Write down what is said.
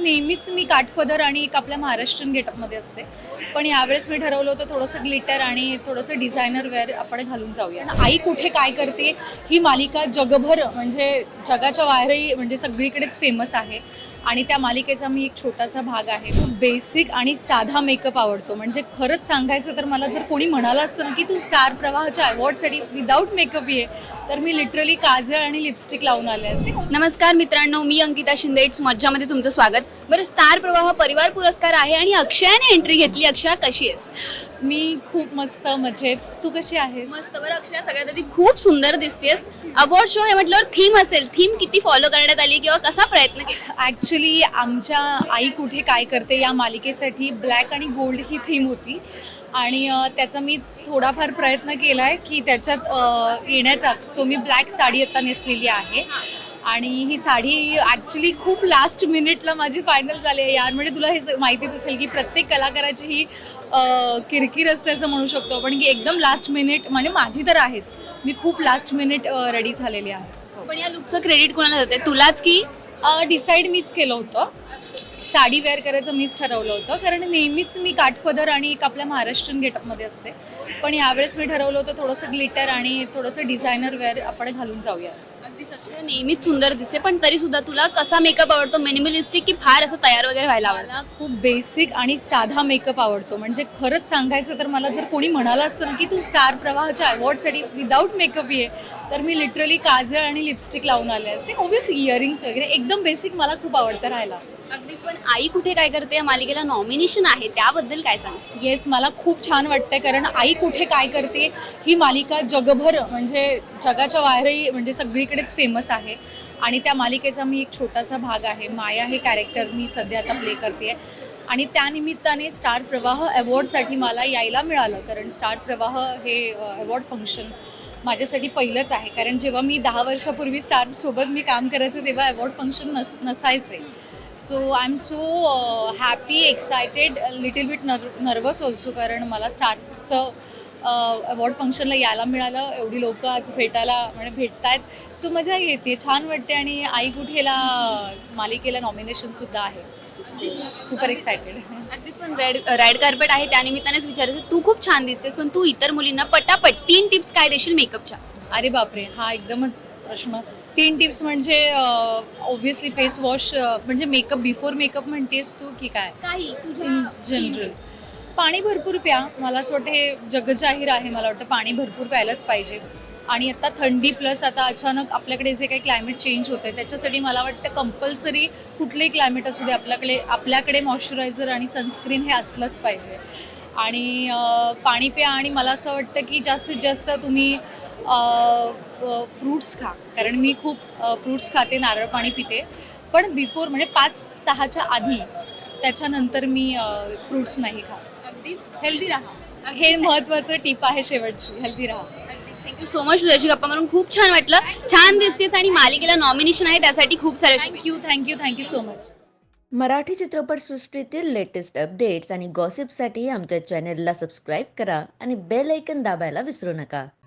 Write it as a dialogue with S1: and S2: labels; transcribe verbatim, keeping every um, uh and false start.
S1: नेहमीच मी काठपदर आणि एक आपल्या महाराष्ट्रीयन गेटअपमध्ये असते, पण यावेळेस मी ठरवलं होतं थोडंसं ग्लिटर आणि थोडंसं डिझायनर वेअर आपण घालून जाऊया. आई कुठे काय करते ही मालिका जगभर म्हणजे जगाच्या बाहेरही म्हणजे सगळीकडेच फेमस आहे आणि त्या मालिकेचा मी एक छोटासा भाग आहे. खूप बेसिक आणि साधा मेकअप आवडतो. म्हणजे खरंच सांगायचं तर मला जर कोणी म्हणालं असतं ना की तू स्टार प्रवाहाच्या अवॉर्डसाठी विदाऊट मेकअप ये, तर मी लिटरली काजळ आणि लिपस्टिक लावून आले असते.
S2: नमस्कार मित्रांनो, मी अंकिता शिंदे. इट्स मज्जामध्ये तुमचं स्वागत. बरं, स्टार प्रवाह परिवार पुरस्कार आहे आणि अक्षयाने एंट्री घेतली. अक्षया कशी आहेस?
S1: मी खूप मस्त मजेत. तू कशी आहेस?
S2: मस्त. बरं अक्षया, सगळ्यात आधी खूप सुंदर दिसतेस. अवॉर्ड शो आहे म्हटल्यावर थीम असेल. थीम किती फॉलो करण्यात आली किंवा कसा प्रयत्न केला?
S1: ॲक्च्युली आमच्या आई कुठे काय करते या मालिकेसाठी ब्लॅक आणि गोल्ड ही थीम होती आणि अ, त्याचा मी थोडाफार प्रयत्न केला आहे की त्याच्यात अ, येण्याचा. सो मी ब्लॅक साडी आता नेसलेली आहे आणि ही साडी ॲक्च्युली खूप लास्ट मिनिटला माझी फायनल झाली आहे यार. म्हणजे तुला हे माहितीच असेल की प्रत्येक कलाकाराची ही अ, किरकिर असते असं म्हणू शकतो आपण की एकदम लास्ट मिनिट, म्हणजे माझी तर आहेच, मी खूप लास्ट मिनिट रेडी झालेली आहे.
S2: पण या लुकचं क्रेडिट कोणाला जाते, तुलाच की?
S1: डिसाईड मीच केलं होतं. साडी वेअर करायचं मीच ठरवलं होतं, कारण नेहमीच मी काठपदर आणि एक आपल्या महाराष्ट्रीयन गेटअपमध्ये असते, पण यावेळेस मी ठरवलं होतं थोडंसं ग्लिटर आणि थोडंसं डिझायनर वेअर आपण घालून जाऊया.
S2: अगदी अक्षया नेहमीच सुंदर दिसते, पण तरी सुद्धा तुला कसा मेकअप आवडतो? मिनिमलिस्टिक की फार असं तयार वगैरे व्हायला आवडतं?
S1: मला खूप बेसिक आणि साधा मेकअप आवडतो. म्हणजे खरंच सांगायचं तर मला जर कोणी म्हणालं असतं ना की तू स्टार प्रवाहाच्या अवॉर्डसाठी विदाऊट मेकअप ये, तर मी लिटरली काजळ आणि लिपस्टिक लावून आले असते. ऑब्व्हियसली इयरिंग्स वगैरे एकदम बेसिक मला खूप आवडतं राहायला.
S2: अगदीच. पण आई कुठे काय करते या मालिकेला नॉमिनेशन आहे, त्याबद्दल काय सांग?
S1: येस, मला खूप छान वाटतंय, कारण आई कुठे काय करते ही मालिका जगभर म्हणजे जगाच्या बाहेरही म्हणजे सगळीकडेच फेमस आहे आणि त्या मालिकेचा मी एक छोटासा भाग आहे. माया हे कॅरेक्टर मी सध्या आता प्ले करते आणि त्यानिमित्ताने स्टार प्रवाह अवॉर्डसाठी मला यायला मिळालं, कारण स्टार प्रवाह हे अवॉर्ड फंक्शन माझ्यासाठी पहिलंच आहे. कारण जेव्हा मी दहा वर्षापूर्वी स्टारसोबत मी काम करायचं तेव्हा अवॉर्ड फंक्शन नस नसायचे. So I am so happy, excited, little bit nerve nervous also, कारण मला स्टारचं अवॉर्ड फंक्शनला यायला मिळालं. एवढी लोकं आज भेटायला म्हणजे भेटत आहेत. सो मजा येते, छान वाटते आणि आई कुठेला मालिकेला नॉमिनेशनसुद्धा आहे. So super excited.
S2: अगदीच. पण रेड रेड कार्पेट आहे त्यानिमित्तानेच विचारायचं, तू खूप छान दिसतेस, पण तू इतर मुलींना पटापट तीन टिप्स काय देशील मेकअपच्या?
S1: अरे बापरे, हा एकदमच प्रश्न. तीन टिप्स म्हणजे ऑब्व्हियसली फेस वॉश, म्हणजे मेकअप बिफोर मेकअप म्हणतेस तू की काय?
S2: काही
S1: इन जनरल पाणी भरपूर प्या. मला असं वाटतं हे जगजाहीर आहे. मला वाटतं पाणी भरपूर प्यायलाच पाहिजे. आणि आता थंडी प्लस आता अचानक आपल्याकडे जे काही क्लायमेट चेंज होतं आहे त्याच्यासाठी मला वाटतं कंपल्सरी कुठलंही क्लायमेट असू दे आपल्याकडे आपल्याकडे मॉइश्चरायझर आणि सनस्क्रीन हे असलंच पाहिजे. आणि पाणी प्या आणि मला असं वाटतं की जास्तीत जास्त तुम्ही फ्रूट्स खा, कारण मी खूप फ्रूट्स खाते, नारळ पाणी पिते, पण बिफोर म्हणजे पाच सहाच्या आधी, त्याच्यानंतर मी फ्रूट्स नाही खात.
S2: अगदीच.
S1: हेल्दी राहा, हे महत्त्वाचं टिप आहे शेवटची, हेल्दी राहा.
S2: Thank you so much. तुझ्याशी गप्पा मारून खूप छान वाटलं. छान दिसतेस आणि मालिकेला नॉमिनेशन आहे त्यासाठी खूप सारे
S1: thank you thank you thank you so much.
S3: Marathi चित्रपटसृष्टीतील लेटेस्ट अपडेट्स आणि गॉसिपसाठी आमच्या चॅनेलला सबस्क्राईब करा आणि बेल ऐकन दाबायला विसरू नका.